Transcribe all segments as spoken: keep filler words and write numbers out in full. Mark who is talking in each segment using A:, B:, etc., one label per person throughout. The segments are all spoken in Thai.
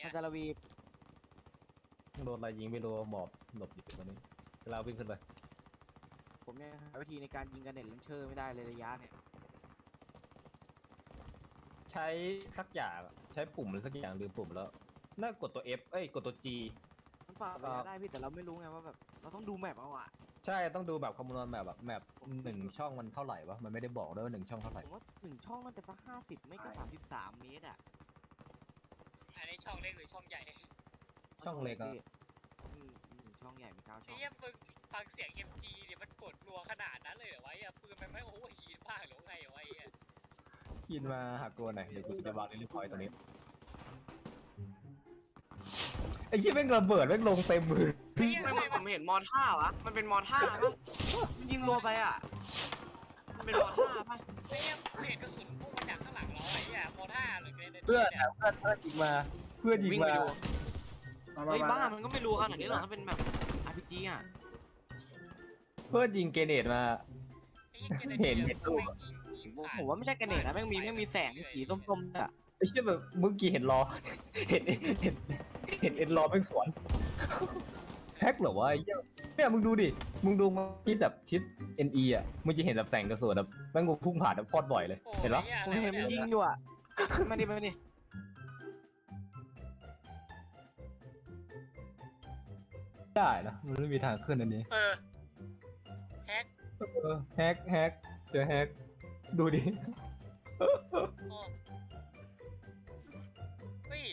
A: อาจารย์ระวี
B: โดนอะไรยิงไม่รู้หมอบหลบอยู่ตอนนี้เราวิ่งขึ้นไป
A: ผมเนี่ยหาวิธีในการยิงกันเน็ตเลนเชอร์ไม่ได้เลยระยะเนี่ย
B: ใช้สักอย่างอะใช้ปุ่มหรือสักอย่างลืมปุ่มแล้วน่ากดตัว F เอ้ยกดตัว G
A: มันปรับระยะได้พี่แต่เราไม่รู้ไงว่าแบบเราต้องดูแมปเอาอะ
B: ใช่ต้องดูแบบคำนวณแบบแบบแมปหนึ่งช่องมันเท่าไหร่วะมันไม่ได้บอกด้วยว่าหนึ่งช่องเท่าไหร่
A: ผมว่าหนึ่งช่องน่าจะสักห้าสิบไม่ก็สามสิบสามเมตรอะ
C: อันนี้ช่องเล็กหรือช่องใหญ่
B: ช่องเล็กอะ
A: พี่อืมหนึ่งช่องใหญ่มีเก้าช่
C: ไอ้
A: อง
C: เหี้ยมึงฟังเสียง เอ็ม จี เนี่ยมันกดรัวขนาดนั้นเลยเหรอวะไอ้เหี้ยปืนมันไม่โอ้โหฮีทบ้างหรือไงวะไอ้เหี้ย
B: ขีนมาหักตัวหน่อยเดี๋ยวกูจะวางในรีพอยต์ตรงนี้ไอ้ชี้ยแม่งระเบิดแม่งลงเต็มมือ
C: ไอ้เหี้ย
A: ไม่
C: ทำไม
A: ผ
C: มัน
A: มเห็นมอท่าวะมันเป็นมอท่าปะมันยิงรัวไปอะมันเป็นมอท่าปะ
C: ไอ้เหี้ยเห็นกระสุนพุ่งมาจากข้างหลังเราไอ้เหี้ยโมท่าหรือไงเนี่ย
B: เพื่อน
C: เนี่ย
B: เพื่อนเพื่อนยิงมาเพื่อนยิง
A: วิ่ง
B: มา
A: ไปดูเฮ้ยบ้ามันก็ไม่รู้ขนาดนี้หรอกถ้าเป็นแบบ อาร์ พี จี อะ
B: เพื่อนยิงเกเนตมา
C: ไอ้เหี้ยเกรเน
B: เห็น
C: เดีย
B: เห็นรูป
C: แม่งยิงยิงผ่าน
A: ผมว่าไม่ใช่กระเน็ตนะแม่งมีแม่งมีแสงสีส้มๆอะ
B: ไอ้เชี่ยแบบเมื่อกี้เห็นรอเห็นเห็นเห็นเอ็นรอแม่งสวนแฮกเหรอวะไอ้เหี้ยเนี่ยมึงดูดิมึงดูมาทิศแบบทิศ เอ็น อี อ่ะมึงจะเห็นแบบแสงกระสุนแบบแม่งพุ่งผ่านแบบโคตรบ่อยเลย
C: โอ้
B: เห็นปะ
C: ไอ้เหี้ย
A: ผม
C: อะไร
A: เห็น
C: วะ
A: มัน
C: เนี่ย
A: ยิงอยู่อะมาดิมาดิ
B: ได้นะมันไม่มีทางขึ้นอันนี้
C: เออแฮก
B: เออแฮกแฮกเจอแฮกดูดิ
C: โอ้เฮ้ย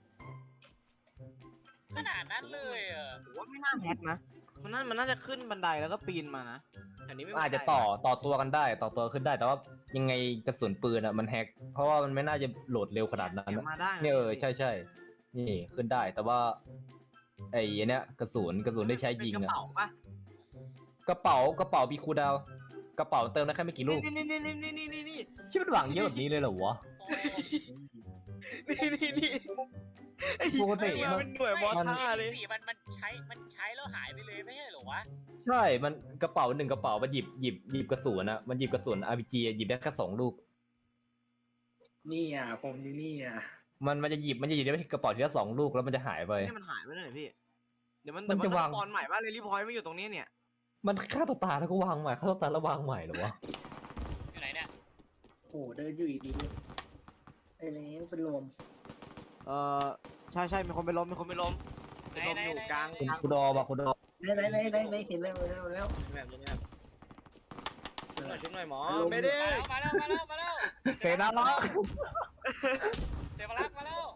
C: ขนาดนั้นเลยเหรอ
A: ผมว่าไม่น่าแฮกนะ มันน่ามันน่าจะขึ้นบันไดแล้วก็ปีนมานะแต่นี้ไม่มี
B: อาจจะต่อต่อตัวกันได้ต่อตัวขึ้นได้แต่ว่ายังไงกระสุนปืนอ่ะมันแฮกเพราะว่ามันไม่น่าจะโหลดเร็วขนาดนั้น
A: เดี๋ยว
B: อะ
A: มาได้นะ
B: เนี่ยเออใช่ใช่นี่ขึ้นได้แต่ว่าไอ้เนี้ยกระสุนกระสุนได้ใช้ยิง
A: เป็นก
B: อ่ะ
A: ระเป๋าปะ
B: กระเป๋ากระเป๋ามีคูลดาวน์กระเป๋าเติมได้แค่ไม่กี่ลูก
A: นี่นี่นี่นี่นี่นี่นี่นี่
B: ชื่อมันหวังเยอะแบบนี้เลยเหรอวะ
C: โอ้
A: นี่นี่นี่ไอ้
B: ปกติ
A: เหี้ยมันเป็นหน่วยมอท่าเลย
C: สี่มันมันใช้มันใช้แล้วหายไปเลยไม่ใช่เหรอวะ
B: ใช่มันกระเป๋าหนึ่งกระเป๋ามันหยิบหยิบหยิบกระสุนอะมันหยิบกระสุน อาร์ พี จี อะหยิบได้แค่สองลูก
D: นี่อ่ะผมอยู่นี่อ่ะ
B: มันมันจะหยิบมันจะหยิบได้แค่กระเป๋าทีละสองลูกแล้วมันจะหายไป
A: นี่มันหายไปเลยพี่ เดี๋ยวมัน
B: มันจะวาง
A: ตอนใหม่ว่าเลยรีพอยต์ไม่อยู่ตรงนี้เนี่ย
B: มันฆ่าตัวตายแล้วก็วางใหม่ฆ่าตัวตายแล้ววางใหม่เหรอวะ
C: อยู่ไหนเนี่ย
D: โอ้เดินอยู่ดีไอ้นี่เป็นลม
A: เออใช่ใช่มีคนไปล้มมีคนไปล้มไปล้มอยู่กลาง
B: คุณ
A: กลาง
B: คุณดอมาคุณดอ
D: ได้ได้ได้ได้ได้เห็นแล้วแล้วแล้ว
A: แบบนี้แบบชุบหน่อยชุบหน่อยหมอไม่ได้
C: มาแล้วมาแล้วมาแล้ว
B: เซนาล้อ
C: เซฟลักมาแล้ว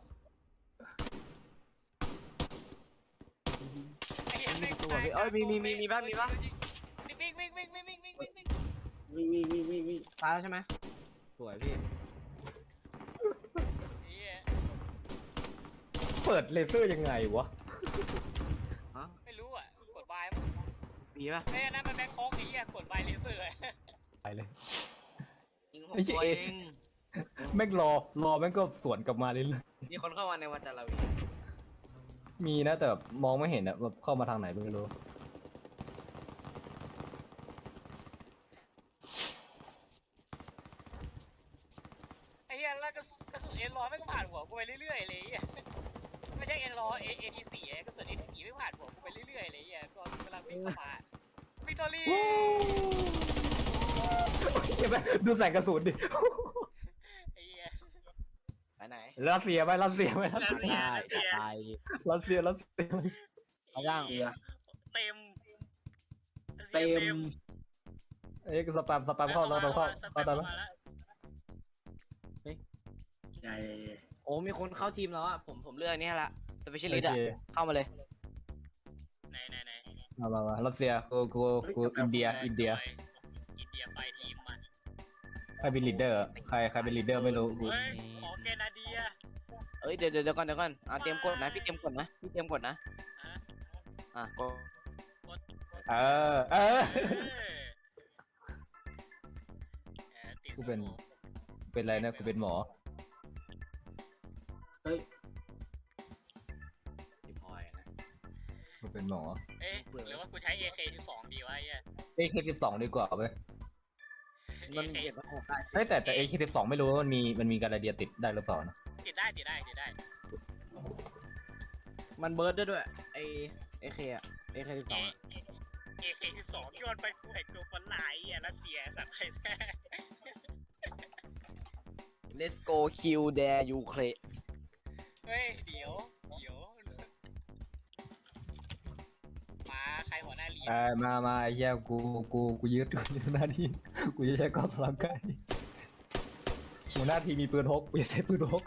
C: ไอ้เหี้ย
A: มีตัวพี่เอ้ยมีมีมีมีบ้างมีบ้าง
C: วิ่งวิ่งวิ่งวิ่งวิ่งวิ่งวิ่งวิ่ง
D: วิ่งวิ่งวิ่งวิ่งวิ่ง
A: ตายแล้วใช่ไหมสวยพี่
C: ไอ้เหี้ย
B: เปิดเลเซอร์ยังไงวะ
A: ฮะ
C: ไม่รู้อ่ะกดบายมั้ง
A: มีป่ะ
C: เอ้ยนั่นมันแบงค์โค้งไอ้เหี้ยกดบายเลเซอร์
B: ไปเลย
A: ยิงหก
B: ไม่ใช่
A: ตัวเอง
B: แม่งรอรอแม่งก็สวนกลับมาเรื่อย
A: มีคนเข้ามาในวันจันทร์ละวี
B: ๆมีนะแต่แบบมองไม่เห็นอะแบบเข้ามาทางไหนไม่รู้
C: ไอ้เหี้ยแล้วกระสุนกระสุนเอ็นร้อยไม่ก็ผ่านหัวกูไปเรื่อยๆเลยไอ้เหี้ยไม่ใช่เอ็นร้อยเอเอทีสี่กระสุนเอทีสี่ไม่ผ่านหัวกูไปเรื่อยๆเลยไอ้เหี้ยก็กำลังวิ่งเข้ามาวิกตอรี่
B: เห็นไหมดูใส่กระสุนดิ
C: ไอ้เหี้ย
A: ไปไหน
B: รัสเซียไหมรัสเซียไหมรัสเซีย
C: ได้ได้
A: ตาย
B: รัสเซียรัสเซีย
A: เอาย่าง
D: เอีย
C: เต็ม
D: เต็ม
B: เอ้ยสแปมสแปมเข้าเราเราเข้า
C: สแป
B: เข้าม ได้ไหม
C: มาแล้ว
D: ใหญ่
A: โอ้มีคนเข้าทีมแล้วอ่ะผมผมเลือกอันนี้ละสเปเชียลิ
B: โอ
A: สต์อ่ะ
B: เค
A: เข้ามาเลย
C: ไหนไหนไหน
B: มามามารัสเซียกูกูกูอินเดียอินเดีย
C: อินเดียไปทีมมัน
B: ใครเป็นลีดเดอร์ใครใครเป็นลีดเดอร์ไม่รู้กู
C: เฮ้ยขอแกนาเดีย
A: เอ้ยเดี๋ยวเดี๋ยวเดี๋ยวก่อนเดี๋ยวก่อนอ่าเตรียมกดนะพี่เตรียมกดนะพี่เตรียมกดนะ
C: อ่ะ
A: อ่ะกด
B: เออเออ
C: เออติด
B: กูเป็น เป็นอะไรนะกูเป็นหมอ
D: เฮ้ย
A: รีพอยต์นะ
B: กูเป็นหมอ
C: เอ๊ะหรือว่ากูใช้ เอ เค สิบสองดีวะไอ้เหี้ย
B: เอเคสิบสองดีกว่าเว้ย
A: มันเก็บแล้วออกได้
B: เฮ้ยแต่แต่เอเคสิบสองไม่รู้ว่ามันมีมันมีการาเดียติดได้หรือเปล่านะ
C: ติดได้ติดได้ติดได้
A: มันเบิร์ดได้ด้วยไอเอเคอะเอเคสิบส
C: เอ
A: อง
C: เอเคสิบสองย้อนไปกูเห็นตัวฝรั่งอ่ะรัสเซียสัตว์ไทยแท้
A: Let's go kill their Ukraine
C: เฮ้ยเดี๋ยวเดี๋ยวมาใครหัวหน้าลีด
B: เออมามาไอ้เหี้ยกูกูกูยึดกูยึดหน้าที่กูจะใช้กอล์ฟสลับไก่หัวหน้าทีมมีปืนพกกูจะใช้ปืนพก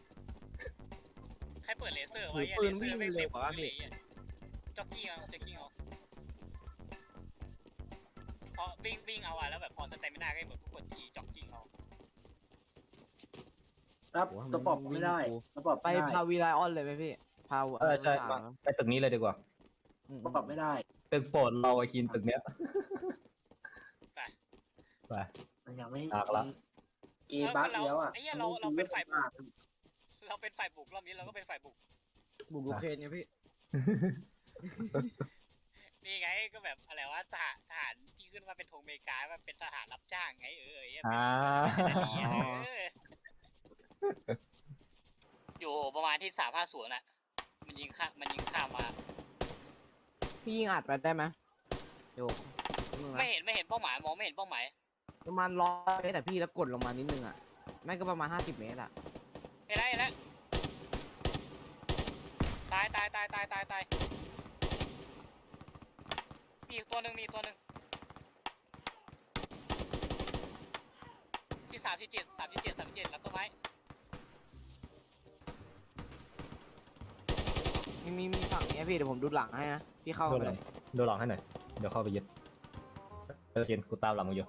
C: ใครเปิดเลเซอร์ไว้อะ
A: ปื
C: เล
A: น
C: เซอร์
A: วิ่ง
C: ไม่
A: เร็
C: เต็
A: ว
C: ม
A: กว่า
C: เล
A: พี่
C: ยอะจ็อกกี้เอาจ็อกกี้เอาพอวิ่งวิ่งเอาอะแล้วแบบพอสเตมินาก็เหมือนผู้กดทีจ็อกกิ้งเอา
D: รับตัวปอบไม่ได้ตัวปอบ
A: ไป
D: ไม่ได้
A: พาวีไลออนเลยไหมพี่พา
B: เออใช่มาไปตึกนี้เลยดีกว่า
D: ตัวปอบไม่ได้
B: ตึกโปรดเราไอ้คินตึกเนี้ย
C: ไป
B: ไป
D: มันยังไม่
B: ตากละ
D: เกย์บัคแล้วอ่ะ
C: ไอ้เหี้ยเราเราเป็นฝ่ายบุกเราเป็นฝ่ายบุกรอบนี้เราก็เป็นฝ่ายบุก
A: บุกยูเครนไงพี่
C: นี่ไงก็แบบอะไรวะทหารทหารที่ขึ้นมาเป็นธงอเมริกาว่าเป็นทหารรับจ้างไงเออไอ้เหี้ย
B: อ่า
C: เอออยู่ประมาณที่สามห้าศูนย์อะมันยิงข้ามันยิงข้ามมา
A: พี่ยิงอัดไปได้ไหมโยก
C: ไม่เห็นไม่เห็นเป้าหมายมองไม่เห็นเป้าหมาย
A: ประมาณร้อยเมตรแต่พี่แล้วกดลงมานิดนึงอ่ะไม่ก็ประมาณห้าสิบเมตรอ่ะ
C: เห็นแล้วเห็นแล้วตายตายตายตายตายตายมีอีกตัวหนึ่งมีอีกตัวหนึ่งที่สามที่เจ็ดสามที่เจ็ดสามที่เจ็ดรับต้นไม้
A: มีมีมีฝั่งนี้พี่เดี๋ยวผมดูหลังให้นะพี่เข้า
B: โด
A: มาน
B: ห
A: เล
B: ลัง
A: ย
B: โดนหลังให้หน่อยเดี๋ยวเข้าไปยึดเออคินกูตามหลังมึงอยู่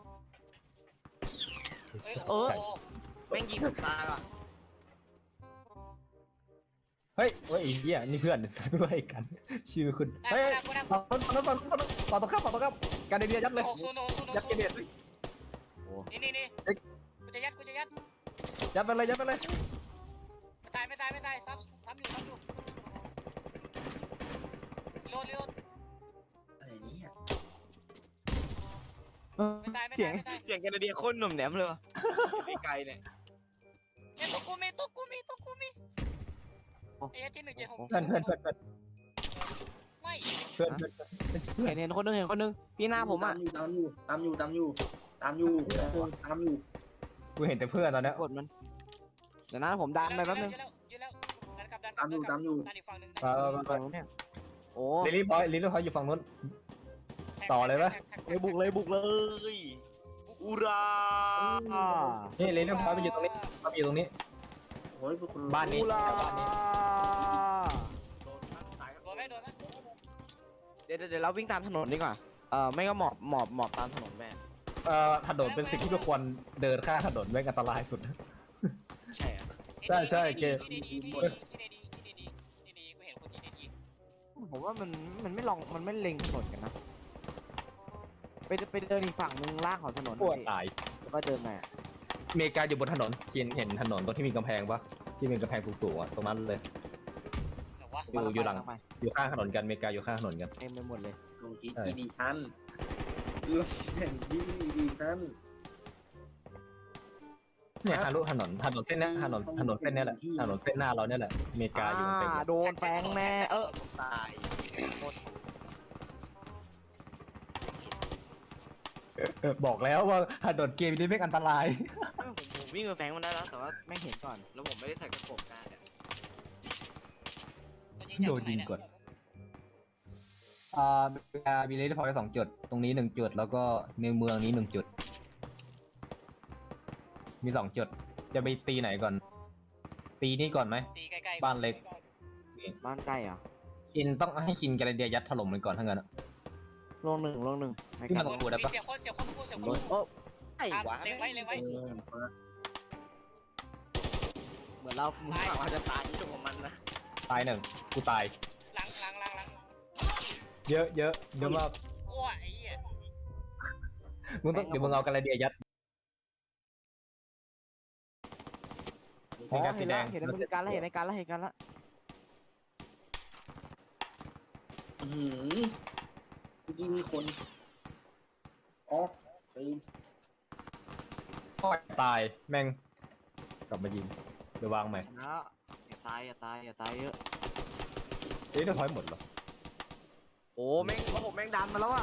C: เฮ้ยโอ้โห
A: แม่งยิงผมตายว่ะ
B: เฮ้ยเฮ้ยไอ้เหี้ยนี่เพื่อนด้วยกัน ชื่อคุณ
C: ได้
B: เฮ้ย
C: ได้ได้
B: ฝั่งนู้นฝั่งนู้นฝั่งนู้นฝั่งตรงข้ามฝั่งตรงข้ามการเดียยัดเลย
C: หกศูนย์หกศูนย์ห
B: ยัด
C: ก
B: เก
C: ศูน
B: เดีย
C: ย์ นี่นี่นี่กูจะยัดกูจะยัด
B: ยัดไปเลยยัดไปเลย
C: ไม่ตายไม่ตายไม่ตายซ้ำซ้ำอยู่ซ้ำอยู่โหลดโหลด
D: อะไรเนี่ย
C: ไม่ตายไม่
A: เสีย
C: ตาง ยไม่ตาย
A: เสียงแคนาเดียโคตรหนุ่มแหนมเลยวะไกลๆเนี่ย
C: เอ้ยตัวกูมีตัวกูมีตัวกูมีไอ้ที่หนึ่งเจ็ดหก
B: เพื่อนเพื่อนเพื่อนเพื่อน
C: ไม่
B: เพื่อนเพื่อน
A: เห็นเห็นคนนึงเห็นคนนึงพี่หน้าผมอ่ะ
D: ตามอยู่ตามอยู่ตามอยู่ตามอยู่ตามอยู่ตามอยู่
B: กูเห็นแต่เพื่อนตอนเนี้ย
A: กดมันเดี๋ยวนะผมดันไปแป๊บนึง
C: ยืนแล้วยืนแล้วดันกลับดันก
D: ตา
C: ลั
D: ม
C: บ
D: อยู่ตามอยู่
C: ดันอีกฝั่งหนึ่ง
B: เออ
A: ฝั่งนู้นเนี่ยโอ้
B: ลิลลี่พอยลิลลี่พอยอยู่ฝั่งนู้น ต่อเลยปะ
A: เลยบุกเลยบุกเลยอุรา
B: นี่ลิลลี่พอยไปอยู่ตรงนี้มาอยู่ตรงนี้
D: โอ้ยพวกคุณ
B: บ้านนี้
A: อุรา
B: บ้านนี้
C: โดนไหมโดนไหม
A: เดี๋ยวเดี๋ยวเราวิ่งตามถนนดีกว่าเออไม่ก็หมอบหมอบหมอบตามถนนแม่
B: เอ่อถนนเป็นสิ่งที่ทุกคนเดินข้ามถนนแม่งอันตรายสุด
A: ใช่อะ
B: ใช่ใช่เกม
C: ที่ดีที่ดีที่ดีที่ดีที่ดีกูเห็นคนที่ดี
A: ผมว่ามันมันไม่ลองมันไม่เล็งถนนกันนะไปไปเดินอีกฝั่งนึงล่างของถนน
B: ปวด
A: พี่
B: ตาย
A: แล้วก็เดินมา
B: อเมริกาอยู่บนถนนเห็นเห็นถนนตรงที่มีกำแพงปะที่เป็นกำแพงสูงๆอ่ะตรงนั้นเลย
C: แต่ว่า
B: อยู่อยู่หลัง
A: ไป
B: อยู่ข้างถนนกันอเมริกาอยู่ข้างถนนกัน
A: เต็มไปหมดเลย
D: ลงที่อีดิชั่นลงแข่งที่อีดิชั่น
B: เนี่ยฮารุถนนถนนเส้นเนี้ยถนนถนนเส้นเนี้ยแหละถนนเส้นหน้าเราเนี่ยแหละอเมริกาอยู่บนเส้น
A: อ่าโดนแฟงแน่เออตาย
B: เออบอกแล้วว่าถนนเกมนี้ไม่งอันตราย
A: ผมผมวิ่งมาแฟงมันได้แล้วแต่ว่าไม่เห็นก่อนแล้วผมไม่ได้ใส่กระโปรงหน้าเนี่ย
B: โดนยิงก่อน อ่าอเมริกามีเลนพอยต์สองจุดตรงนี้หนึ่งจุดแล้วก็ในเมืองนี้หนึ่งจุด มีสองจุด จะไปตีไหนก่อน ตีนี่ก่อนไหม
C: ตีใกล้ๆ
B: บ้านเล็ก
A: บ้านใกล้เหรอ
B: คินต้องให้คินแกเรเดียยัดถล่มมันก่อนทั้างนั้นอะ
A: ลงหนึ่งลงหนึ่งไม่
B: พี่
A: ก
B: มา
A: ล้า
B: ตรงกูได้ปะ
C: เสียคนเสียคนพูดเสียคน
A: ล
C: พู
A: ง
C: ด
A: โอ้ไอ้วะ
C: เล็งไว้เล็งไว้
D: เออ
A: เหมือนเราเหมือนเราจะตายที่ตรงของมันนะ
B: ตายหนึ่งกูตาย
C: หลังหลังหลังหลัง
B: เยอะเยอะเยอะมาก
C: โอ้ยไอ้เหี้ย
B: มึงต้องเดี๋ยวมึงเอาแกเรเดียยัด
A: อ๋อเห็นแล้วเห็นในมือการแล้วเห็นในการแล้วเห็นการแล้ว
D: อืมเมื่อกี้มีคนอ๋อไป
B: ตายแม่งกลับมายิงเดี๋ยววางใหม่
A: นะอย่าตายอย่าตายอย่าตายเยอะ
B: เอ๊ะเดี๋ยวพอยหมดเหรอ
A: โอ้แม่งโอ้โหแม่งดันมาแล้วอ่ะ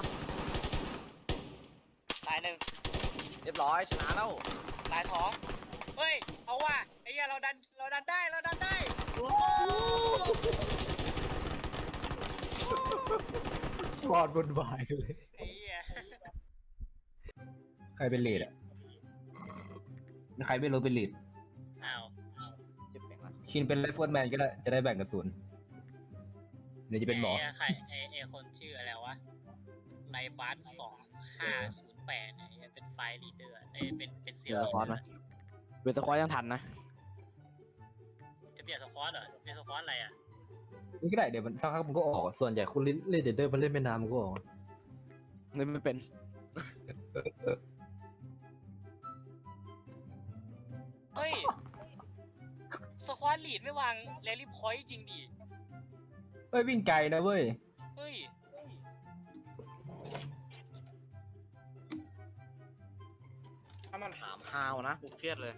C: ตายหนึ่ง
A: เรียบร้อยชนะแล้ว
C: ตายสองเฮ้ยเอาว่ะไอ้เหี้ยเราดันเราดันได้เราดันได้โอ้
B: วอดบนวายเลย
C: ไอ้เหี้ย
B: ใครเป็นลีดอ่ะใครไม่รู้เป็นลีด
C: อ้าว
A: จะเป็นอะไร
B: ชินเป็นไรเฟิลแมนก็ได้จะได้แบ่งกระสุนเดี๋ยวจะเป็นหมอ
C: ไใครไอ้ไอ้คนชื่ออะไรวะไลบัสสองห้าศูนย์แปดไอ้เหี้ยเป็นไฟลีดเดอร์ไอ้เป็นเป็นเซี
A: เดี๋
C: ย
A: ยว วคอร์สนะเวทคอร์สยังทันนะ
C: จะเปลี่ยนสควอตเหรอเปลี่ยนสควอตอะไรอ่ะ
B: นี่ก็ได้เดี๋ยวมันสักพักมันก็ออกส่วนใหญ่คุณเล่นเล่นเดเดอร์มันเล่นไม่นานมันก็ออก
A: เล่นไม่เป็น
C: เฮ้ยสควอตลีดไม่วางแรลลี่พอยต์จริงดิ
B: เอ้ยวิ่งไกลนะเว้ย
C: เฮ้ย
A: ถ้ามันถามฮาวนะกูเครียดเลย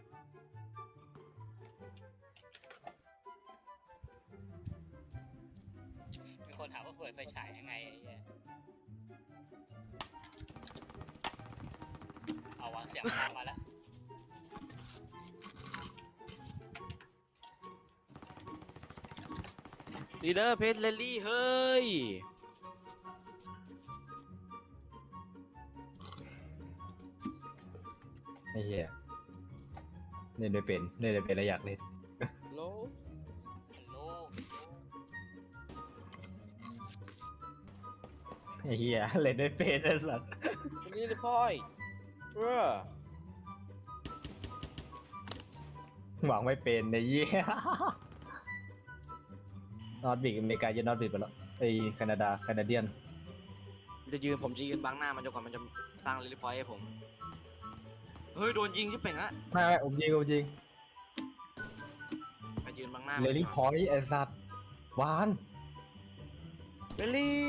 C: มีคนถามว่าเปิดไฟฉายยังไงไอ้เหี้ยเอาวางเสียงมามาแล้ว
A: ลีเดอร์เพจเลลี่เฮ้ย
B: ไอ้เหี้ยเล่นไม่เป็นเล่นไม่เป็นแล้วอยากเล่น
A: โล
C: ฮัลโหล
B: ไอ้เหี้ยเล่นไม่เป็นไอ้สัส
A: นี่เลยพ่อยเออ
B: หวังไม่เป็นไอ้เหี้ยนอตบิกอเมริกาจะนอตบิกไปแล้วไอ้แคนาดาแคนาเดียน
A: จะยืนผมจะยืนบังหน้ามันจนกว่ามันจะสร้างลิลิพอยต์ให้ผม เฮ้ยโดนยิงชิบเป่งอะ
B: ไม่ไม่ผมยิงผมยิง
A: ไปยืนบังหน้า
B: เลลี่พอยต์ไอ้สัสวาน
A: เลลี่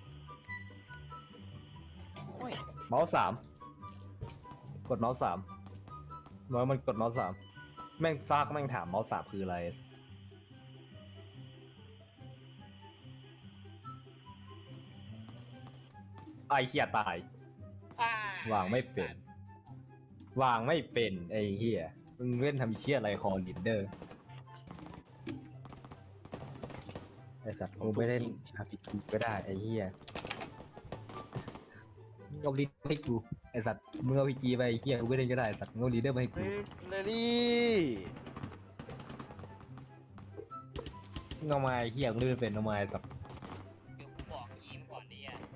A: โอ้ย
B: เมาส์สามกดเมาส์สามเมื่อมันกดเมาส์สามแม่งซากแม่งถามเมาส์สามคืออะไรไอ้เหี้ยตาย
C: อ่าว
B: างไม่เป็น วางไม่เป็นไอ้เหี้ยมึงเล่นทำเชี่ยอะไรคอลินเดอร์ไอ้สัตว์กูไม่เล่นอาร์พีจีก็ได้ไอ้เหี้ยมึงเอาลีดให้กูไอ้สัตว์มึงเอาพีจีไปไอ้เหี้ยกูไม่เล่นก็ได้ไอ้สัตว์มึงเอาลีดเดอร์มาให้กู
A: เฮ้ยเลลี่
B: มึงเอามาไอ้เหี้ยกูเล่นไม่เป็นเอามาไอ้สัตว์
C: เดี๋ยวกูบอกคีมก่อนดิอ่ะ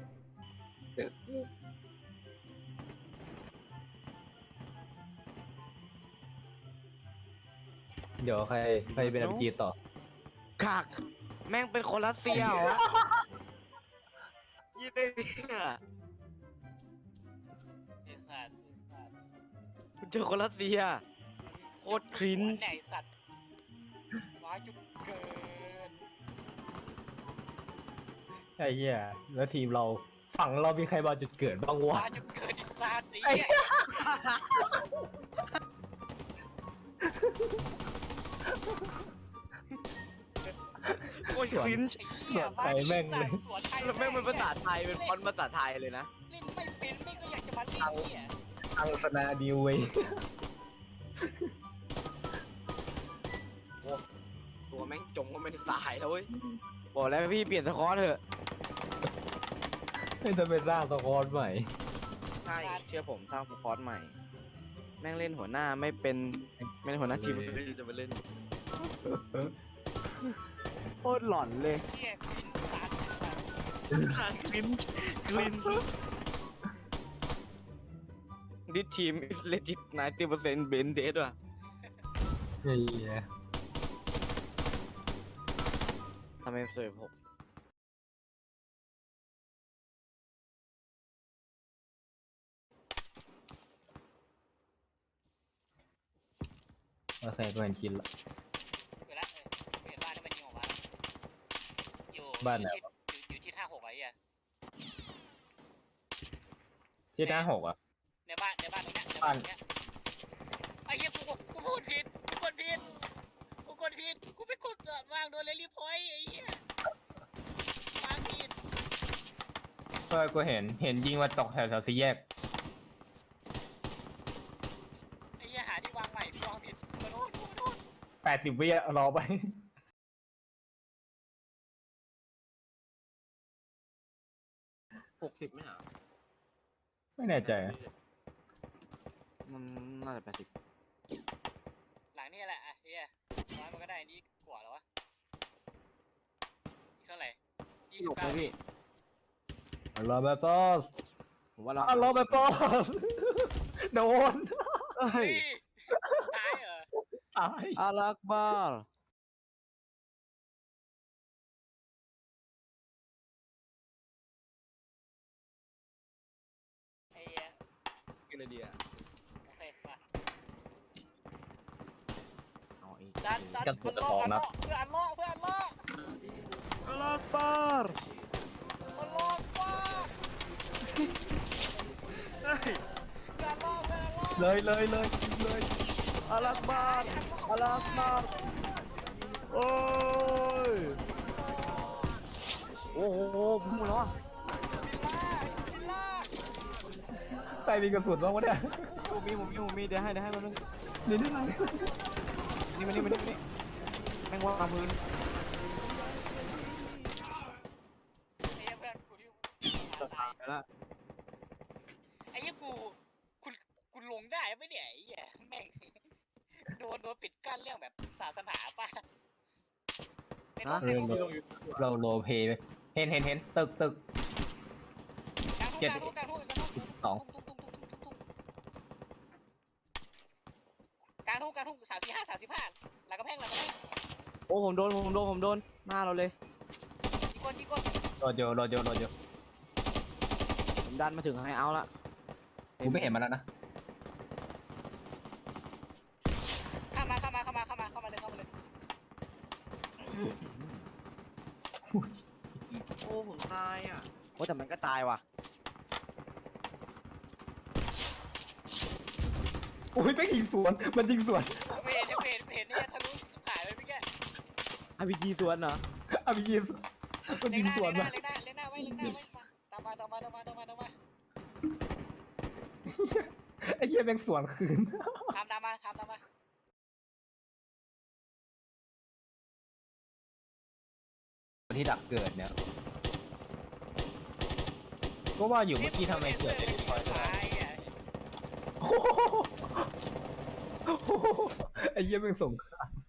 B: เดี๋ยวใครใครเป็นอาร์พีจีต่อ
A: ขากแม่งเป็นคนรัสเซียเหรอยี่เลยเนี่ย
C: ไอ้สัตว์
A: คุณเจอคนรัสเซีย โคตรคริ้น
C: ไหนสัตว์ร้ายจุดเกิน
B: ไอ้เหี้ยแล้วทีมเราฝั่งเรามีใครมาจุดเกิดบ้างวะ
C: ร้ายจุดเกินดิสัตว์ไอ้เหี้ย
A: โคตรคริ้น
C: ไอ้เหี้ย
B: ไปแม่งเลย
C: สวนไทย
A: แล้วแม่งเป็นภาษาไทยเป็นฟอนต์ภาษาไทยเลยนะ
C: เล่นไม่เป็นไม่ก็อยากจะมาเล่นเนี่ย
B: อังสนาดิวเว้ย
A: ตัวแม่งจมก็ไม่ได้สายแล้วเว้ยบอกแล้วพี่เปลี่ยนสคอร์เถอะ
B: ไม่จะไปสร้างสกอร์ใหม่
A: ใช่เชื่อผมสร้างสคอร์ใหม่ แม่งเล่นหัวหน้าไม่เป็นไม่เล่นหัวหน้าทีมจะมาเล่นโคตรหลอนเลย
C: เหี้ยกินสัตว์
A: กลินกลิน This team is legit ninety percent Ben dead ว่ะ
B: เฮ้ย
A: ทำไมสวยผม
B: โอเคก็เห็นชินละ
C: อยู่แล้วเออเห็นบ้านที่มันยิงออกมาอยู่
B: บ้านไหน
C: อยู่ที่อยู่อยู่ที่ท่าหกไอ้เหี้ย
B: ที่หน้าหกอ่ะ
C: ในบ้านในบ้านตรงเนี้ยในบ้านตรงเนี้ยไอ้เหี้ยกูกูพูดผิดกูกดผิดกูกดผิดกูไปกดวางโดนเลลี่พอยต์ไอ้เหี้ย
B: เออกูเห็นเห็นยิงมาตกแถวแถวสี่แยก
C: ไอ้เหี้ยหาที่วางใหม่พี่วางผิดมาโน่นโน่นโน่น
B: แปดสิบวิอะรอไป
A: หกสิบไหมอ่ะ
B: ไม่แน่ใจอะ
A: มันน่าจะแปดสิบ
C: หลังนี่แหละอ่ะเฮียน้อยมันก็ได้นี่กว่าแล้ววะอีกเท่าไหร่ยี่
A: ห
C: สิ
A: ล
C: บบ เก้า
A: เลยพี่
B: รอแบบบอส
A: ผมว่าเรา
B: อ่ะรอแบบบอส โดน
A: เฮ้
C: เฮ้
A: ย
C: ยตายเหรอ
B: ตาย
A: อาลักบาร์
C: ไอ้เหี้ย
A: กินอะไรดีอ่ะ
C: โอเคมา
A: เอาอีก
C: ดันดันมันล่อมันล่อเพื่ออันล่อเพื่ออันล่อ
A: อาลักบาร์
C: มันล่อว่าเฮ้ยเพื่ออันล่อเพื่ออันล่อ
B: เลยเลยเลยเลย
A: อาลักบาร์อาลักบาร์โอ้ยโอ้โหพุ่งมาแล้วอ่ะ
C: บิลล่า
B: ใครมีกระสุนบ้างวะเนี่ย
A: ผมมีผมมีผมมีเดี๋ยวให้เดี๋ยวให้มันนึง
B: นี่นี่ไง
A: นี่มันนี่มันนี่มันนี่แม่งวางพื้น
C: ไอ้เหี้ยเพื่อนกูที่ตาย
A: ไปแล้ว
C: ไอ้เหี้ยกูคุณกูลงได้ไหมเนี่ยไอ้เหี้ยแม่งโดนโดนปิดกั้นเรื่องแบบศาสนาป่ะในร
A: นะ
C: ถในรถ
B: เราโรลเพลย์ไปเห็นเห็นเห็นตึกตึก
C: กลางทุ่งกลางทุ่งกลางทุ่งกลางทุ่ง
B: สอง
C: กลางทุ่งกลางทุ่งสามสี่ห้าสามสิบห้าหลังกระแพงหลังกระแพง
A: โอ้ผมโดนผมโดนผมโดนหน้าเราเลย
C: อีกคนอีกคน
B: โรดโยโรดโยโรดโย
A: ผมดันมาถึงไฮเอาท์ละ
B: กูไม่เห็นมันแล้วนะ
C: เข้ามาเข้ามาเข้ามาเข้ามาเข้ามาเลยเข้ามาเลย
A: โอ้ผมตายอ่ะโอ้แต่มันก็ตายว่ะ
B: โอ้ยไม่ยิงสวนมันยิงสวน
C: เห็นเห็นเห็นเนี่ยทะลุขายไปพี่แก
A: อาร์พีจีสวนเหรอ
B: อ่ะมียิงสวนมัน
C: เล็
B: ยิ
C: ง
B: ง
C: หน้า
B: สวน
C: เล็งห
B: มา
C: น้าเล็งหน้าเล็งหน้าไว้เล็งหน้าไว้มาตามมาตามมาตามมาตามมาตามมา
B: ไอ้เหี้ยแม่งสวนคืน
C: ตามตามมาตามตามมา
B: ที่ดักเกิดเนี่ยก็ว่าอยู่เมื่อกี้ทำไมเกิด
C: เด็
B: เด็กคอย
C: ตายอ่ะ
B: ไอ้เหี้ยแม่งสงคราม